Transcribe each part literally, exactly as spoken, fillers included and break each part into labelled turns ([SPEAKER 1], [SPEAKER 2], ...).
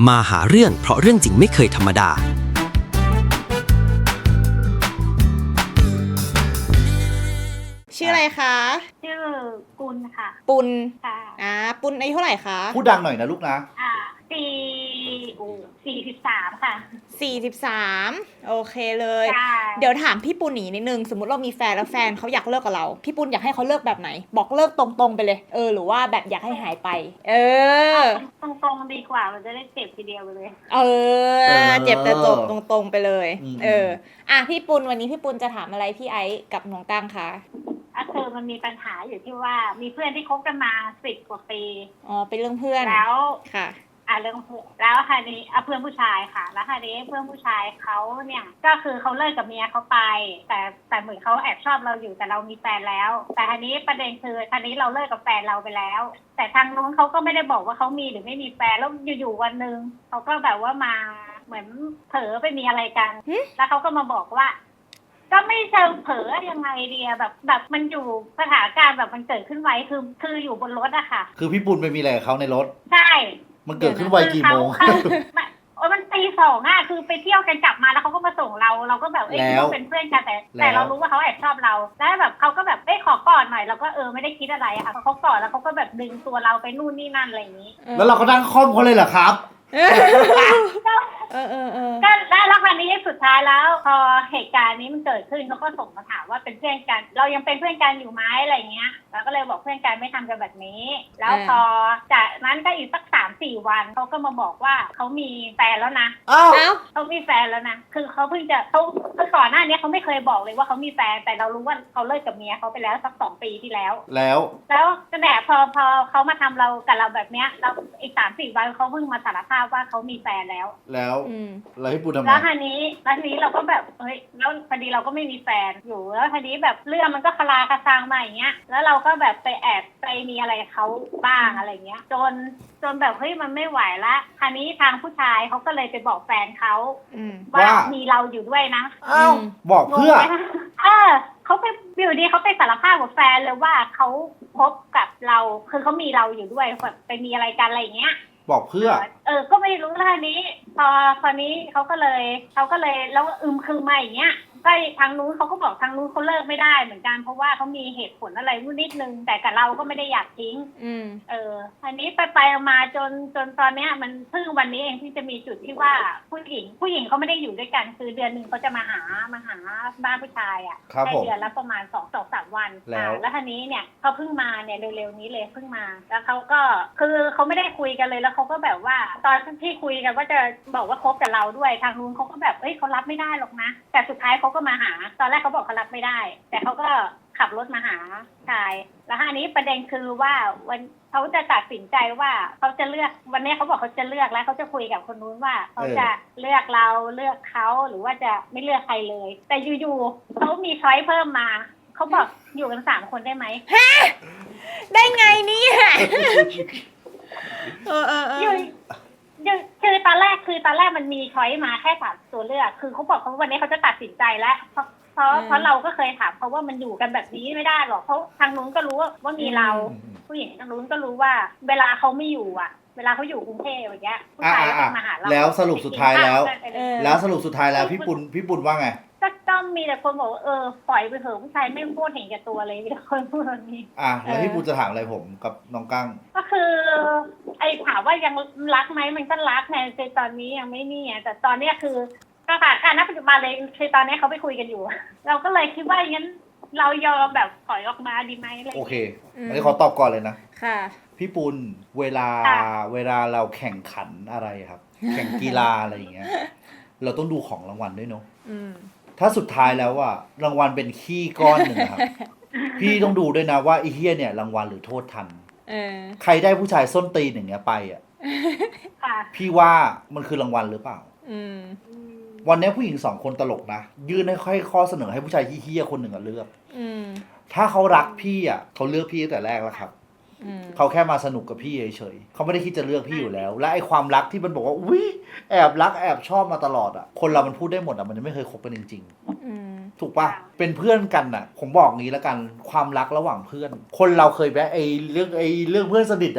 [SPEAKER 1] มาหาเรื่องเพราะเรื่องจริงไม่เคยธรรมดา
[SPEAKER 2] ชื่ออะไรคะ
[SPEAKER 3] ชื่อปุณค่ะ
[SPEAKER 2] ปุณ
[SPEAKER 3] ค่ะ
[SPEAKER 2] อ่าปุณอายุเท่าไหร่คะ
[SPEAKER 4] พูดดังหน่อยนะลูกนะ
[SPEAKER 3] อ่าสี่โอ้สี่สิบสามค่ะ
[SPEAKER 2] สี่สิบสามโอเคเลย
[SPEAKER 3] ใช่
[SPEAKER 2] เดี๋ยวถามพี่ปุณหนีนิดนึงสมมติเรามีแฟนแล้วแฟนเขาอยากเลิกกับเราพี่ปุณอยากให้เขาเลิกแบบไหนบอกเลิกตรงๆไปเลยเออหรือว่าแบบอยากให้หายไปเออ
[SPEAKER 3] ตรงๆดีกว่ามันจะได้เจ็บทีเดียวไปเลย
[SPEAKER 2] เออเจ็บแต่จบตรงๆไปเลยเอออ่ะพี่ปุณวันนี้พี่ปุณจะถามอะไรพี่ไอซ์กับน้องตั้งคะ
[SPEAKER 3] อ่ะคือมันมีปัญหาอยู่ที่ว่ามีเพื่อนที่คบกันมาสิบกว่าปี
[SPEAKER 2] อ๋อเป็นเรื่องเพื่อน
[SPEAKER 3] แล้ว
[SPEAKER 2] ค่ะ
[SPEAKER 3] อ่ะเรื่องเพื่อนแล้วคราวนี้อ่ะเพื่อนผู้ชายค่ะแล้วคราวนี้เพื่อนผู้ชายเขาเนี่ยก็คือเขาเลิกกับเมียเขาไปแต่แต่เหมือนเขาแอบชอบเราอยู่แต่เรามีแฟนแล้วแต่คราวนี้ประเด็นคือคราวนี้เราเลิกกับแฟนเราไปแล้วแต่ทางนู้นเขาก็ไม่ได้บอกว่าเขามีหรือไม่มีแฟนแล้วอยู่ๆวันนึงเขาก็แบบว่ามาเหมือนเผลอไปมีอะไรกันแล้วเขาก็มาบอกว่าก็ไม่เชิงเผลอยังไงเดียแบบแบบมันอยู่สถานการณ์แบบมันเกิดขึ้นไวคือคืออยู่บนรถอะค่ะ
[SPEAKER 4] คือพี่ปุณไปมีอะไรกับเขาในรถ
[SPEAKER 3] ใช่
[SPEAKER 4] มันเกิดขึ้นไวกี่โมง
[SPEAKER 3] โอ้มันตีสองอะคือไปเที่ยวกันกลับมาแล้วเขาก็มาส่งเราเราก็แบบเอ้ยเราเป็นเพื่อนกันแต่แต่เรารู้ว่าเขาแอบชอบเราแล้วแบบเขาก็แบบเอ้ยขอกอดหน่อยเราก็เออไม่ได้คิดอะไรอะค่ะเขากอดแล้วเขาก็แบบดึงตัวเราไปนู่นนี่นั่นอะไรอย่างนี้
[SPEAKER 4] แล้วเราก็นั่งค่อมเขาเลยเหรอครับ
[SPEAKER 2] เออเออเออ
[SPEAKER 3] ก็ได้แล้วคราวนี้สุดท้ายแล้วพอเหตุการณ์นี้มันเกิดขึ้นเขาก็ส่งมาถามว่าเป็นเพื่อนกันเรายังเป็นเพื่อนกันอยู่ไหมอะไรเงี้ยเราก็เลยบอกเพื่อนกันไม่ทำกันแบบนี้แล้วพอจากนั้นก็อีกสักสามสี่วันเขาก็มาบอกว่าเขามีแฟนแล้วนะ
[SPEAKER 4] อ้าว
[SPEAKER 3] เขามีแฟนแล้วนะคือเขาเพิ่งจะเขาคือก่อนหน้านี้เขาไม่เคยบอกเลยว่าเขามีแฟนแต่เรารู้ว่าเขาเลิกกับเมียเขาไปแล้วสักสองปีที่แล้ว
[SPEAKER 4] แล้ว
[SPEAKER 3] แล้วก็แหนพอพอเขามาทำเรากับเราแบบเนี้ยเราอีกสามสี่วันเขาเพิ่งมาสารภาพว่าเขามีแฟนแล้ว
[SPEAKER 4] แล้วแล้วให้ปูทำไง
[SPEAKER 3] แล้วทีนี้แล้วทีนี้เราก็แบบเฮ้ยแล้วพอดีเราก็ไม่มีแฟนอยู่แล้วทีนี้แบบเรื่องมันก็คลาคาซังมาอย่างเงี้ยแล้วเราก็แบบไปแอบไปมีอะไรเขาบ้างอะไรเงี้ยจนจนแบบเฮ้ยมันไม่ไหวละทีนี้ทางผู้ชายเขาก็เลยไปบอกแฟนเขาว่ามีเราอยู่ด้วยนะ
[SPEAKER 4] อ้าวบอกเพื่อ
[SPEAKER 3] เออเขาไปอยู่ดีเขาไปสารภาพกับแฟนเลยว่าเขาคบกับเราคือเขามีเราอยู่ด้วยแบบไปมีอะไรกันอะไรเงี้ย
[SPEAKER 4] บอกเพื่อ
[SPEAKER 3] เออก็ไม่รู้เรื่องนี้พอพอนี้เขาก็เลยเขาก็เลยแล้วอึมคือมาอย่างเงี้ยก็ทางนู้นเขาก็บอกทางนู้นเขาเลิกไม่ได้เหมือนกันเพราะว่าเขามีเหตุผลอะไรนิดนึงแต่กับเราก็ไม่ได้อยากทิ้ง
[SPEAKER 2] อืม
[SPEAKER 3] เอออันนี้ไปไปมาจนจนตอนเนี้ยมันเพิ่งวันนี้เองที่จะมีจุดที่ว่าผู้หญิงผู้หญิงเขาไม่ได้อยู่ด้วยกันคือเดือนนึงเขาจะมาหามาหาบ้านผู้ชายอ่ะแค่เดือนละประมาณสองสองสามวันแล้วแล้วทีนี้เนี่ยเขาเพิ่งมาเนี่ยเร็วๆนี้เลยเพิ่งมาแล้วเขาก็คือเขาไม่ได้คุยกันเลยแล้วเขาก็แบบว่าตอนที่คุยกันว่าจะบอกว่าคบกับเราด้วยทางนู้นเขาก็แบบเอ้ยเขารับไม่ได้หรอกนะแต่สุดท้ายเขาก็มาหาตอนแรกเขาบอกเขารับไม่ได้แต่เขาก็ขับรถมาหาชายแล้วอันนี้ประเด็นคือว่าวันเขาจะตัดสินใจว่าเขาจะเลือกวันนี้เขาบอกเขาจะเลือกแล้วเขาจะคุยกับคนนู้นว่าเขาจะเลือกเราเลือกเขาหรือว่าจะไม่เลือกใครเลยแต่อยู่ๆเขามีช้อยเพิ่มมาเขาบอกอยู่กันสามคนได้ไหม
[SPEAKER 2] ฮะได้ไงเนี่ยเออเออเออ
[SPEAKER 3] คือตอนแรกคือตอนแรกมันมีช้อยมาแค่สามตัวเลือกคือเขาบอกเขาวันนี้เขาจะตัดสินใจแล้วเพราะเพราะเพราะเราก็เคยถามเขาว่ามันอยู่กันแบบนี้ไม่ได้หรอกเพราะทางนู้นก็รู้ว่ามีเราผู้หญิงทางนู้นก็รู้ว่าเวลาเขาไม่อยู่อ่ะเวลาเขาอยู่กรุงเทพอย่างเงี้ยผู้ชายก็มาหาเรา
[SPEAKER 4] แล้วสรุปสุดท้ายแล้วแล้วสรุปสุดท้ายแล้วพี่ปุณพี่ปุณว่าไง
[SPEAKER 3] ก็ต้องมีแต่คนบอกเออปล่อยไปเถอะผู้ชายไม่พูดเห็นแก่ตัวเลยมีแต่คนพูดแบบนี้
[SPEAKER 4] อ่ะแล้วพี่ปุณจะถามอะไรผมกับน้องกั้ง
[SPEAKER 3] ก็คือไอ้ถามว่ายังรักไหมมันก็รักในในตอนนี้ยังไม่นี่แต่ตอนนี้คือก็ค่ะการณปัจจุบันเลยคือตอนนี้เขาไปคุยกันอยู่เราก็เลยคิดว่างั้นเรายอมแบบถอยออกมาดีไหมอะไร
[SPEAKER 4] โอเคอันนี้ขอตอบก่อนเลยนะ
[SPEAKER 2] ค่ะ
[SPEAKER 4] พี่ปุณเวลาเวลาเราแข่งขันอะไรครับแข่งกีฬาอะไรอย่างเงี้ยเราต้องดูของรางวัลด้วยเนาะถ้าสุดท้ายแล้วอะรางวัลเป็นขี้ก้อนหนึ่งครับพี่ต้องดูด้วยนะว่าไอ้เหี้ยเนี่ยรางวัลหรือโทษทันใครได้ผู้ชายส้นตีนอย่างเงี้ยไปอะพี่ว่ามันคือรางวัลหรือเปล่าวันนี้ผู้หญิงสองคนตลกนะยื่นให้ค่อยข้อเสนอให้ผู้ชายเหี้ยคนหนึ่งอะเลือกถ้าเขารักพี่อะเขาเลือกพี่ตั้งแต่แรกแล้วครับเขาแค่มาสนุกกับพี่เฉยๆเขาไม่ได้คิดจะเลือกพี่อยู่แล้วและไอ้ความรักที่มันบอกว่าอุ้ยแอบรักแอบชอบมาตลอดอ่ะคนเรามันพูดได้หมดอ่ะมันจะไม่เคยคบกันจริงๆถูกปะเป็นเพื่อนกันอ่ะผมบอกงี้แล้วกันความรักระหว่างเพื่อนคนเราเคยแวะไอ้เรื่องไอ้เรื่องเพื่อนสนิทอ่ะ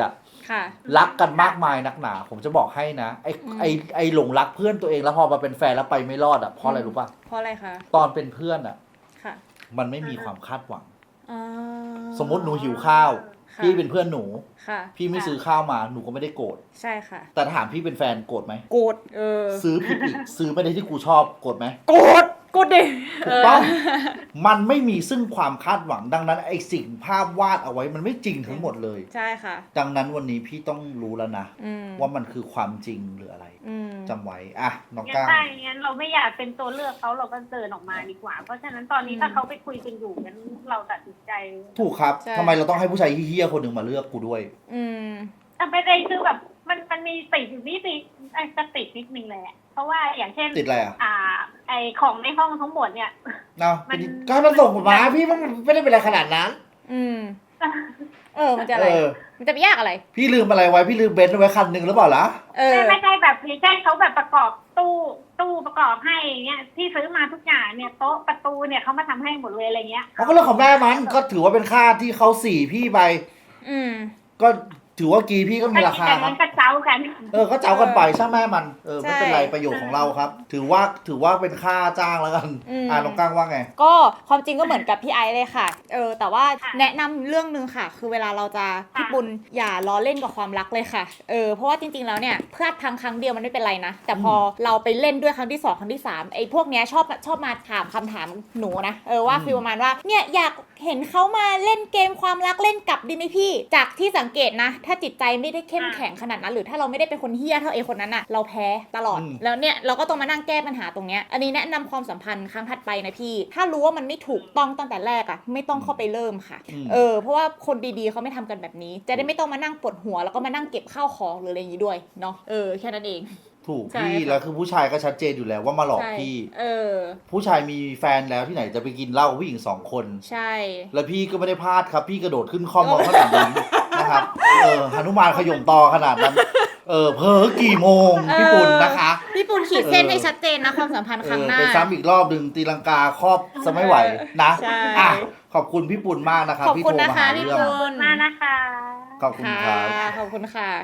[SPEAKER 2] ค่ะ
[SPEAKER 4] รักกันมากมายนักหนา ผมจะบอกให้นะไอ้
[SPEAKER 2] อืม
[SPEAKER 4] ไอ้ไอ้หลงรักเพื่อนตัวเองแล้วพอมาเป็นแฟนแล้วไปไม่รอดอ่ะเพราะอะไรรู้ป่ะ
[SPEAKER 2] เพราะอะไรคะ
[SPEAKER 4] ตอนเป็นเพื่อนอ่ะ
[SPEAKER 2] ค่ะ
[SPEAKER 4] มันไม่มีความคาดหวัง
[SPEAKER 2] อ่า
[SPEAKER 4] สมมติหนูหิวข้าว
[SPEAKER 2] ค่ะ
[SPEAKER 4] พี่เป็นเพื่อนหนู
[SPEAKER 2] ค่ะ
[SPEAKER 4] พี่ไม่ซื้อข้าวมาหนูก็ไม่ได้โกรธ
[SPEAKER 2] ใช่ค่ะ
[SPEAKER 4] แต่ถามพี่เป็นแฟนโกรธไหม
[SPEAKER 2] โกรธเออ
[SPEAKER 4] ซื้อผิดอีก ซื้อไม่ได้ที่กูชอบโกรธไหม
[SPEAKER 2] โกรธโกรธดิ
[SPEAKER 4] ถูกต้อง มันไม่มีซึ่งความคาดหวังดังนั้นไอ้สิ่งภาพวาดเอาไว้มันไม่จริงทั้งหมดเลย
[SPEAKER 2] ใช่ค่ะ
[SPEAKER 4] ดังนั้นวันนี้พี่ต้องรู้แล้วนะ
[SPEAKER 2] อืม
[SPEAKER 4] ว่ามันคือความจริงหรืออะไร
[SPEAKER 2] อืม
[SPEAKER 4] จำไว้อ่ะน้อง
[SPEAKER 3] งั้น
[SPEAKER 4] ก้าง
[SPEAKER 3] ถ้าอย่างนั้นเราไม่อยากเป็นตัวเลือกเขาเราก็เดินออกมาดีกว่า เพราะฉะนั้นตอนนี้
[SPEAKER 2] อืม
[SPEAKER 3] ถ้าเขาไปคุยกันอยู่งั้นเราตัดสินใจ
[SPEAKER 4] ถูกครับ
[SPEAKER 2] ใช่
[SPEAKER 4] ทำไมเราต้องให้ผู้ชายเฮี้ยๆคนหนึ่งมาเลือกกูด้วย
[SPEAKER 2] อืม
[SPEAKER 3] แต่ไม่ได้คือแบบมันมันมีติดอยู่นิดนึงไอ้จะติดนิดนึงเลยอะเพราะว่าอย่างเช่น
[SPEAKER 4] ติดอะไรอ่ะ
[SPEAKER 3] อ่า ไอของในห้องทั้งหมดเนี่ย
[SPEAKER 4] เนาะ
[SPEAKER 3] มัน
[SPEAKER 4] ก็ให้มันส่งผลมาพี่มันไม่ได้เป็นอะไรขนาดนั้น
[SPEAKER 2] อืม เออ มันจะอะไร
[SPEAKER 4] เออ
[SPEAKER 2] มันจะไปยากอะไร
[SPEAKER 4] พี่ลืมอะไรไว้พี่ลืมเบนซ์ไว้คันหนึ่งหรือเปล่าล่ะ
[SPEAKER 2] เออ
[SPEAKER 3] ไม่ไม่ใช่แบบอย่างเช่นเขาแบบประกอบตู้ตู้ประกอบให้อย่างเงี้ยที่ซื้อมาทุกอย่างเนี่ยโต๊ะประตูเนี่ยเขามาทำให้หมดเลยอะไรเงี้ย
[SPEAKER 4] เขาก็เรื่องของแม่มันก็ถือว่าเป็นค่าที่เขาสี่พี่ไป
[SPEAKER 2] อืม
[SPEAKER 4] ก็ถือว่ากีพี่ก็มีราคา
[SPEAKER 3] อย่าง
[SPEAKER 4] ครั
[SPEAKER 3] นั้
[SPEAKER 4] บ
[SPEAKER 3] นก็เจ้ากัน
[SPEAKER 4] เออก็เจ้ากันไปช่างแม่มันเออ
[SPEAKER 2] ใช่
[SPEAKER 4] ไม่เป็นไรประโยชน์ของเราครับ ถือว่าถือว่าเป็นค่าจ้างแล้วกัน
[SPEAKER 2] อืม
[SPEAKER 4] อ่าน้องก้างว่าไง
[SPEAKER 2] ก็ความจริงก็เหมือนกับพี่ไอซ์เลยค่ะ เออ แต่ว่าแนะนำเรื่องนึงค่ะ คือเวลาเราจะพี่ปุณอย่าล้อเล่นกับความรักเลยค่ะ เออ เพราะว่าจริงๆแล้วเนี่ยพลาดพังครั้งเดียวมันไม่เป็นไรนะ แต่พอเราไปเล่นด้วยครั้งที่สองครั้งที่สามไอ้พวกเนี้ยชอบชอบมาถามคำถามหนูนะ เออว่า
[SPEAKER 4] อืม
[SPEAKER 2] ฟีลประมาณว่า เนี่ยอยากเห็นเขามาเล่นเกมความรักเล่นกลับดีไหมพี่ จากที่สังเกตนะ ถ้าจิตใจไม่ได้เข้มแข็งขนาดนั้น หรือถ้าเราไม่ได้เป็นคนเฮี้ยเท่าไอ้คนนั้นอะเราแพ้ตลอด
[SPEAKER 4] อืม
[SPEAKER 2] แล้วเนี่ยเราก็ต้องมานั่งแก้ปัญหาตรงเนี้ย อันนี้แนะนำความสัมพันธ์ครั้งถัดไปนะพี่ ถ้ารู้ว่ามันไม่ถูกต้องตั้งแต่แรกอะไม่ต้องเข้าไปเริ่มค่ะ
[SPEAKER 4] อืม
[SPEAKER 2] เออ เพราะว่าคนดีๆเขาไม่ทำกันแบบนี้ จะได้ไม่ต้องมานั่งปวดหัวแล้วก็มานั่งเก็บข้าวของหรืออะไรอย่างนี้ด้วยเนาะ เออ แค่นั้นเอง
[SPEAKER 4] ถูก
[SPEAKER 2] ใช่
[SPEAKER 4] พี่
[SPEAKER 2] ค่ะ
[SPEAKER 4] แล้วคือผู้ชายก็ชัดเจนอยู่แล้วว่ามาหลอก
[SPEAKER 2] ใช่
[SPEAKER 4] พี่
[SPEAKER 2] เออ
[SPEAKER 4] ผู้ชายมีแฟนแล้วที่ไหนจะไปกินเหล้ากับผู้หญิงสองคน
[SPEAKER 2] ใช่
[SPEAKER 4] แล้วพี่ก็ไม่ได้พลาดครับ พี่กระโดดขึ้นคอมมาขนาดนั้นนะครับ เออหนุมานขย่มตอขนาดนั้น เออเพอกี่โมงพี่ปุ่นนะคะ
[SPEAKER 2] พี่ปุณขีดเส้น
[SPEAKER 4] เออ
[SPEAKER 2] ให้ชัดเจนนะความสัมพันธ์
[SPEAKER 4] เอ
[SPEAKER 2] ครั้ง
[SPEAKER 4] อ
[SPEAKER 2] หน้า
[SPEAKER 4] ไปซ้ำอีกรอบหนึ่งตีลังกาครอบจะไม่ไหวนะ
[SPEAKER 2] ใช่
[SPEAKER 4] อ่ะขอบคุณพี่ปุ่นมากนะครับ
[SPEAKER 2] ขอบ
[SPEAKER 4] ที่
[SPEAKER 2] คุณ
[SPEAKER 4] โทร
[SPEAKER 2] นะ
[SPEAKER 4] มา
[SPEAKER 2] คะ
[SPEAKER 4] หา
[SPEAKER 2] พี่
[SPEAKER 4] เรื่อง
[SPEAKER 2] ปุณ
[SPEAKER 3] มากนะคะ
[SPEAKER 4] ขอบคุณครับ
[SPEAKER 2] ขอบคุณค่ะ